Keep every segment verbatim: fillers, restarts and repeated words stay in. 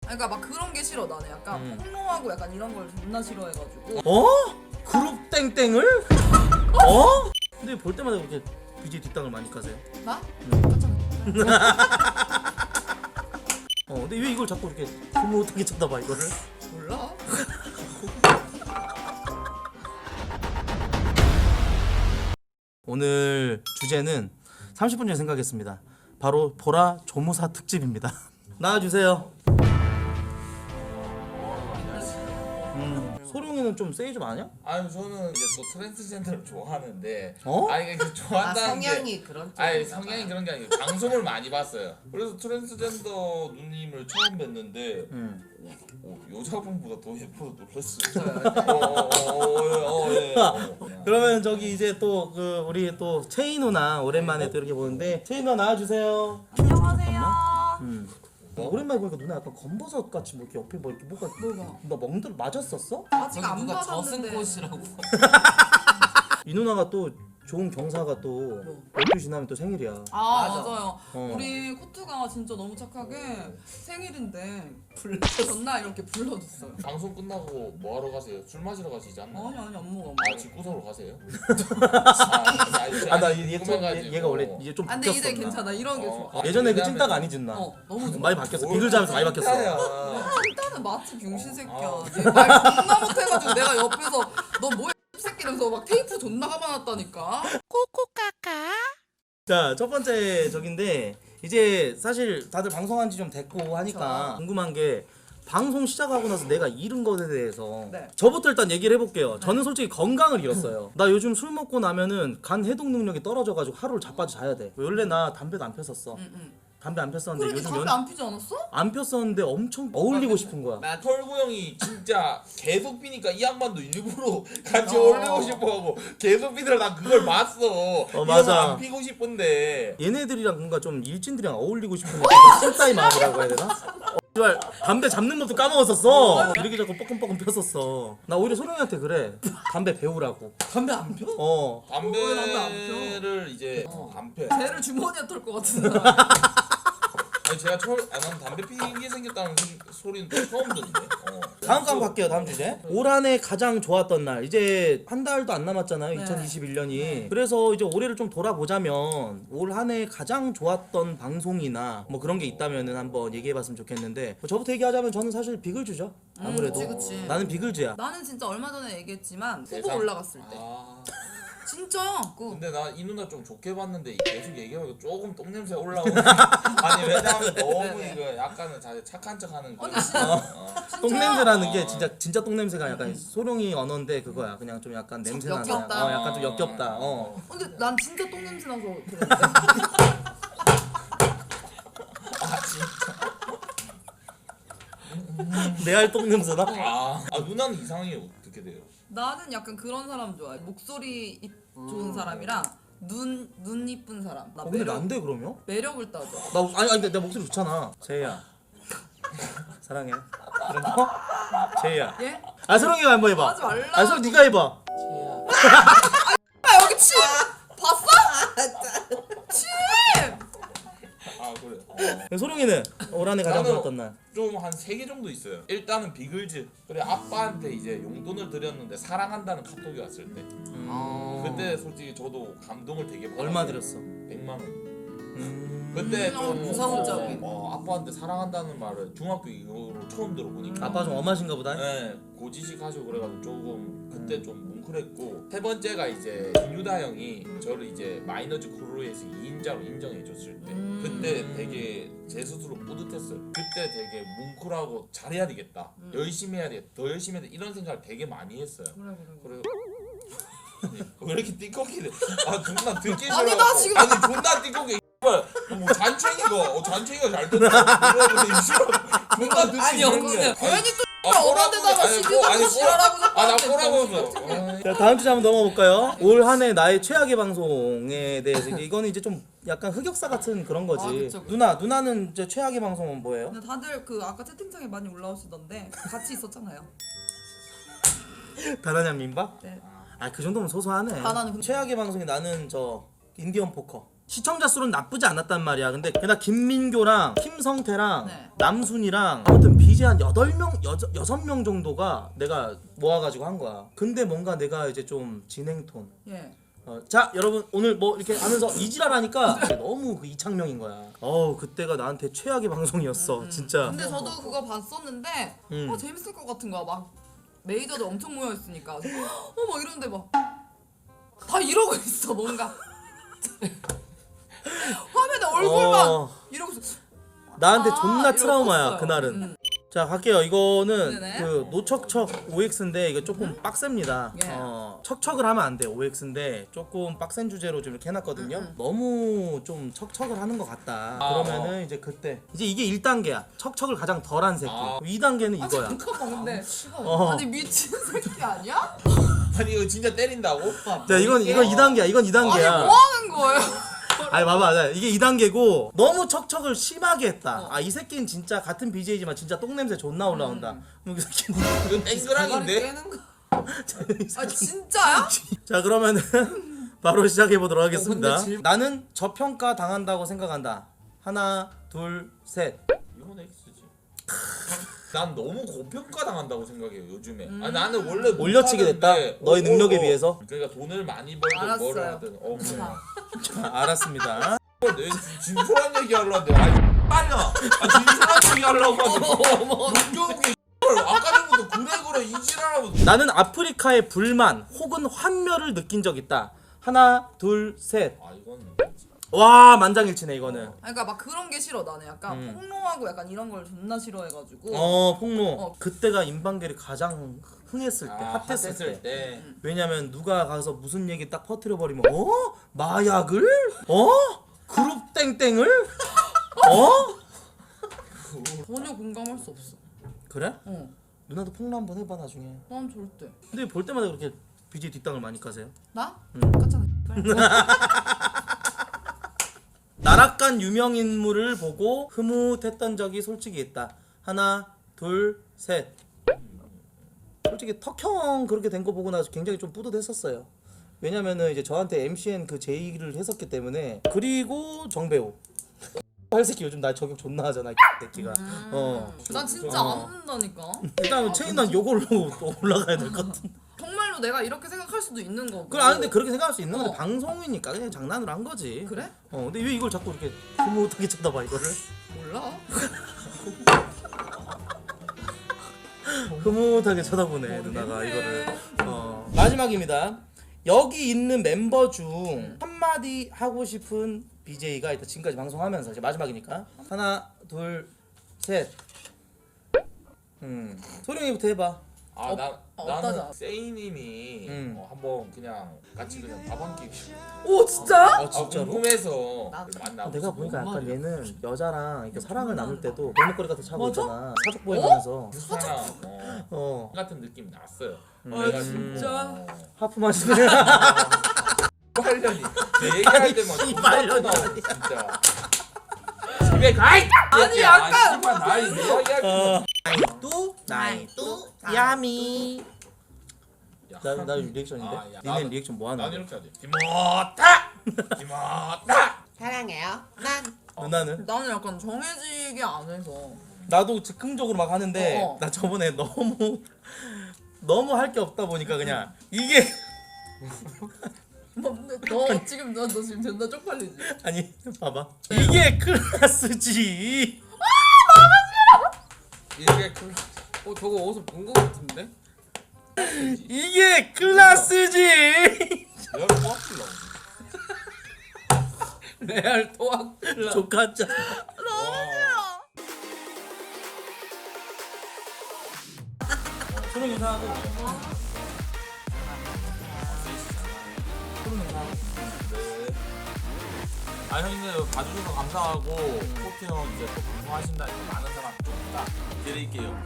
그러니까 막 그런 게 싫어 나는. 약간 음. 폭로하고 약간 이런 걸 존나 싫어해가지고. 어? 그룹 땡땡을? 어? 근데 볼 때마다 그렇게 비지 뒷땅을 많이 까세요? 나? 응. 깜짝 어 근데 왜 이걸 자꾸 이렇게 흐뭇하게 쳐다봐 이거를? 몰라. 오늘 주제는 삼십 분 전에 생각했습니다. 바로 보라 조무사 특집입니다. 나와주세요. 음, 소룡이는 좀 세이 좀 아냐? 아니 저는 이제 또 트랜스젠더를 좋아하는데 어? 아니 그 아, 좋아한다는 게 성향이 그런 쪽. 아니 성향이 그런 게 아니고 방송을 많이 봤어요. 그래서 트랜스젠더 누님을 처음 뵀는데 음. 오, 여자분보다 더 예뻐서 놀랐어요. 어, 어, 어, 어, 예. 어. 그러면 저기 이제 또 그 우리 또 채희 누나 오랜만에 또 이렇게 보는데 채희 누나 나와주세요. 안녕하세요. 음. 어, 오랜만에 보니까 누나 약간 검버섯 같이 뭐 이렇게 옆에 뭐 이렇게 뭐가 뭐가? 나 멍들 맞았었어? 아직 저기 안 누가 받았는데. 저승꽃이라고. 이 누나가 또 좋은 경사가 또 열두 지나면 또 생일이야. 아 맞아. 맞아요. 어. 우리 코트가 진짜 너무 착하게 생일인데 불러줬나 이렇게 불러줬어요. 방송 끝나고 뭐 하러 가세요? 술 마시러 가시지 않나요? 아니 아니 안 먹어. 아 집구석으로 가세요? 아, 아나 얘, 얘, 좀- 궁금해가지고. 얘가 원래 이제 좀 아 근데 바뀌었어. 이제 누나. 괜찮아. 이런 게 어. 좋아. 예전에 그 왜냐면- 찐따가 아니지 누나. 어 너무 좋아. 많이 바뀌었어. 비글자면서 많이 바뀌었어. 일단은 마치 병신 새끼야. 아. 얘말 존나 못해가지고 내가 옆에서 너 뭐야 새끼면서 막 테이프 존나 감아놨다니까. 자, 첫 번째 적인데 이제 사실 다들 방송한 지 좀 됐고 하니까 그쵸. 궁금한 게 방송 시작하고 나서 내가 잃은 것에 대해서 네. 저부터 일단 얘기를 해볼게요. 저는 솔직히 건강을 잃었어요. 나 요즘 술 먹고 나면은 간 해독 능력이 떨어져가지고 하루를 자빠져 자야 돼. 원래 나 담배도 안 폈었어. 응, 응. 담배 안 폈었는데 그러니 요즘 담배 연... 안 피지 않았어? 안 폈었는데 엄청 어울리고 싶은 거야. 나 털구 형이 진짜 계속 피니까 이 양반도 일부러 같이 어. 어울리고 싶어하고 계속 피더라. 나 그걸 봤어. 어 맞아. 안 피고 싶은데 얘네들이랑 뭔가 좀 일진들이랑 어울리고 싶은 찐따의 마음이라고 해야 되나? 어, 씨발, 담배 잡는 법도 까먹었었어. 이렇게 자꾸 뻐끔뻐끔 폈었어. 나 오히려 소룡이한테 그래. 담배 배우라고. 담배 안 펴? 어. 왜 담배 안 담배를 이제 어. 안 펴. 쟤를 주머니에 털 것 같은 사람. 아니 제가 처음 아, 난 담배 피게 생겼다는 생- 소리는 또 처음 듣는데. 어. 다음 거 한번 갈게요. 다음 주제. 올 한 해 가장 좋았던 날. 이제 한 달도 안 남았잖아요. 네. 이천이십일 년이. 네. 그래서 이제 올해를 좀 돌아보자면 올 한 해 가장 좋았던 방송이나 뭐 그런 게 있다면은 한번 얘기해봤으면 좋겠는데 뭐 저부터 얘기하자면 저는 사실 비글즈죠. 아무래도. 그치, 그치. 나는 비글즈야. 나는 진짜 얼마 전에 얘기했지만 후보 세상- 올라갔을 때 아. 진짜 그 근데 나 이 누나 좀 좋게 봤는데 계속 얘기하면 조금 똥냄새 올라오는. 아니 왜냐면 너무 네네. 이거 약간은 자기 착한 척하는 거. 아니, 진짜. 어. 똥냄새라는 게 어. 진짜 진짜 똥냄새가 약간 소룡이 언어인데 그거야. 그냥 좀 약간 냄새 나는. 역겹다. 어, 약간 좀 역겹다. 어. 근데 난 진짜 똥냄새 나서 그랬는데. 아 진짜. 레알 똥냄새나? 아, 아 누나는 이상형이 어떻게 돼요? 나는 약간 그런 사람 좋아해. 목소리 이- 좋은 사람이랑 눈, 눈 이쁜 사람. 나 어, 근데 매력, 난데 그러면? 매력을 따져. 나 아니 아니 내 목소리 좋잖아. 제이야. 사랑해. 그런 거? 제이야. 예? 아 소룡이가 한번 해봐. 하지 말라. 아 소룡 네가 해봐. 아 여기 침! 봤어? 침! 아 그래. 어. 소룡이는 올 한 해 가장 나는 좋았던 날. 좀 한 세 개 정도 있어요. 일단은 비글즈. 그래 아빠한테 이제 용돈을 드렸는데 사랑한다는 카톡이 왔을 때. 어. 그때 솔직히 저도 감동을 되게 받았어요. 얼마 들였어? 백만 원. 음... 그때 음, 좀 무서운적인. 어, 아빠한테 사랑한다는 말을 중학교 이후로 처음 들어보니까. 아빠 좀 엄하신가 보다. 네, 고지식 하시고 그래가지고 조금 그때 좀 뭉클했고 세 번째가 이제 김유다 형이 저를 이제 마이너즈 크루에서 이 인자로 인정해줬을 때 음. 그때 되게 제 스스로 뿌듯했어요. 그때 되게 뭉클하고 잘해야 되겠다, 음. 열심히 해야 되겠다, 더 열심히 해야 돼 이런 생각을 되게 많이 했어요. 그래 그래 그래. 그래 왜 이렇게 띠꺼기래? 아 존나 듣기 싫어. 아니, 나 지금- 아니 존나 띠꺼기. 뭐 잔챙이가 어, 잔챙이가 잘 듣는 이러는데 싫어. 존나 듣기 아니, 싫은데. 엉덩이야. 괜히 또 아, 어른데다가 아니, 시비도 아니, 지랄하고 아나 자꾸 꼬라보면서. 자 다음 주제 한번 넘어가 볼까요? 올 한 해 나의 최악의 방송에 대해서 이제 이거는 이제 좀 약간 흑역사 같은 그런 거지. 아, 그쵸, 그쵸. 누나 누나는 이제 최악의 방송은 뭐예요? 근데 다들 그 아까 채팅창에 많이 올라오시던데 같이 있었잖아요. 다나냐 민박? 네. 아 그 정도면 소소하네. 다나는 근데- 최악의 방송이 나는 저 인디언 포커. 시청자 수는 나쁘지 않았단 말이야. 근데 그나 김민교랑 김성태랑 네. 남순이랑 아무튼 비제이 한 여덟 명, 여섯 명 정도가 내가 모아가지고 한 거야. 근데 뭔가 내가 이제 좀 진행톤. 예. 어, 자 여러분 오늘 뭐 이렇게 하면서 이지랄하니까 너무 그 이창명인 거야. 어우 그때가 나한테 최악의 방송이었어. 진짜. 근데 저도 그거 봤었는데 음. 어 재밌을 것 같은 거야. 막 메이저들 엄청 모여 있으니까 어막 이러는데 막 다 이러고 있어 뭔가 화면에 얼굴만 어. 이러고 있어. 나한테 아, 존나 이러고 트라우마야 컸어요. 그날은. 음. 자 갈게요. 이거는 네네. 그 노척척 오엑스인데 이거 조금 빡셉니다. 예. 어, 척척을 하면 안 돼. 오엑스인데 조금 빡센 주제로 좀 이렇게 해놨거든요. 음, 음. 너무 좀 척척을 하는 것 같다. 아, 그러면은 이제 그때 이제 이게 일 단계야. 척척을 가장 덜한 새끼. 아. 이 단계는 아 이거야. 잠깐만 근데 어. 아니 미친 새끼 아니야? 아니 이거 진짜 때린다고? 자 이건 이건 이 단계야. 이건 이 아니 단계야. 뭐 하는 거예요? 아니 봐봐, 자, 이게 이 단계고 너무 척척을 심하게 했다. 어. 아 이 새끼는 진짜 같은 비제이지만 진짜 똥 냄새 존나 올라온다. 그럼 이 새끼는 이거 땡그랑인데? 깨는 거. 아 진짜야? 자 그러면은 바로 시작해 보도록 하겠습니다. 어, 근데 질- 나는 저평가 당한다고 생각한다. 하나, 둘, 셋. 이건 X지. 난 너무 고평가 당한다고 생각해요 요즘에. 음. 아 나는 원래 올려치게 됐다? 못하는데, 너의 어, 능력에 어, 어. 비해서? 그러니까 돈을 많이 벌든 알았어요. 뭐를 하든. 어 그래. 자, 알았습니다. 내 진솔한 얘기 하려는데 아니 빨려. 아 진솔한 얘기 하려고 하는데 용병이 아까 전부터 그래 그래 이지랄하고. 나는 아프리카의 불만 혹은 환멸을 느낀 적 있다. 하나, 둘, 셋. 아 이건 와 만장일치네 이거는. 그러니까 막 그런 게 싫어 나는 약간 음. 폭로하고 약간 이런 걸 존나 싫어해가지고 어 폭로. 어. 그때가 임방겔이 가장 흥했을 때, 아, 핫했을 때. 핫했을 때. 왜냐면 누가 가서 무슨 얘기 딱 퍼뜨려 버리면 어? 마약을? 어? 그룹 땡땡을? 어? 전혀 공감할 수 없어. 그래? 어, 누나도 폭로 한번 해봐 나중에. 난 절대. 근데 볼 때마다 그렇게 비제이 뒷땅을 많이 까세요? 나? 음. 까잖아. 나락간 유명 인물을 보고 흐뭇했던 적이 솔직히 있다. 하나, 둘, 셋. 솔직히 턱형 그렇게 된 거 보고 나서 굉장히 좀 뿌듯했었어요. 왜냐면은 이제 저한테 엠씨엔 그 제의를 했었기 때문에. 그리고 정배우. 할 새끼 요즘 나 저격 존나 하잖아 이 새끼가. 어. 난 진짜 어. 안 한다니까. 일단 체인난 요걸로 또 올라가야 될 것 같은. 정말로 내가 이렇게 생각할 수도 있는 거고. 그래 아는데 그렇게 생각할 수 있는 건데 어. 방송이니까 그냥 장난으로 한 거지. 그래? 어 근데 왜 이걸 자꾸 이렇게 흐뭇하게 쳐다봐 이거를? 몰라. 흐뭇하게 쳐다보네 누나가 이거를. 어. 마지막입니다. 여기 있는 멤버 중 한마디 하고 싶은 비제이가 일단 지금까지 방송하면서 이제 마지막이니까 하나 둘 셋. 음 소룡이부터 해봐. 아, 나, 어, 나는 어떠죠? 세이님이 음. 어, 한번 그냥 같이 그냥 밥 한 끼. 오 진짜? 아 진짜로? 궁금해서 나- 만나. 아, 내가 보니까 약간 말이야? 얘는 여자랑 이렇게 사랑을 나눌 때도 골목거리 같은 차고 맞아? 있잖아. 사족 보이면서. 사랑 어, 어 같은 느낌 났어요. 음. 아 진짜. 하프 마시네. 빨려니. 얘기할 때만 씨발년이 나와, 진짜. 집에 가. 이 아니, 약간 씨발 나이 내 이야기할 때. 나이뚜 나이뚜 야미. 야, 나, 나 리액션인데? 아, 야, 니네 나는- 리액션 뭐 하는 난 거야? 이렇게 하지. 김어타. 김어타. 사랑해요. 난 누나는? 나는 약간 정해지게 안 해서. 나도 즉흥적으로 막 하는데 어, 어. 나 저번에 너무 너무 할 게 없다 보니까 그냥 이게 뭐, 근데 너 지금 너, 너 지금 존나 쪽팔리지? 아니 봐봐 이게 클라스지. 이게 그 어 저거 어디서 본 거 같은데? 이게 클라스지. 열 꽉질러. 레알 토악. 조카짜. 소름 이상하고. 소름 이상하고. 네. 아 형님 봐주셔서 감사하고 코트 형 이제 또 방송하신다니까 많은 사람 좀 부탁드릴게요.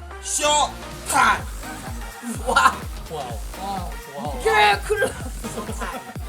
쇼타임. 와. 와우. 와. 와우. 개 클라스.